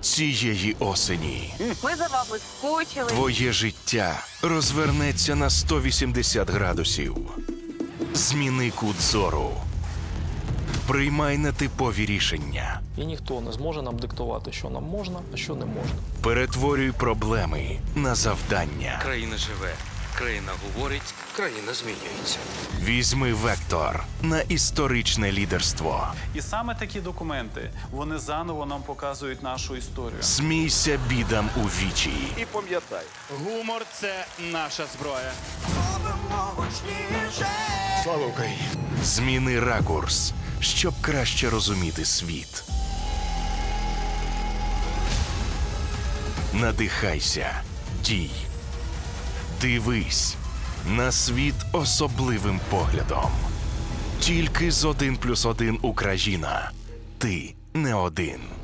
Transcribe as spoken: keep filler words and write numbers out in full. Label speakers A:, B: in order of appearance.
A: цієї осені.
B: Ми за вами скучили.
A: Твоє життя розвернеться на сто вісімдесят градусів. Зміни кут зору. Приймай нетипові рішення.
C: І ніхто не зможе нам диктувати, що нам можна, а що не можна.
A: Перетворюй проблеми на завдання.
D: Країна живе, країна говорить, країна змінюється.
A: Візьми вектор на історичне лідерство.
E: І саме такі документи, вони заново нам показують нашу історію.
A: Смійся бідам у вічі.
F: І пам'ятай, гумор – це наша зброя. Слава Україні!
A: Зміни ракурс, щоб краще розуміти світ. Надихайся, дій. Дивись на світ особливим поглядом. Тільки з один плюс один Україна. Ти не один.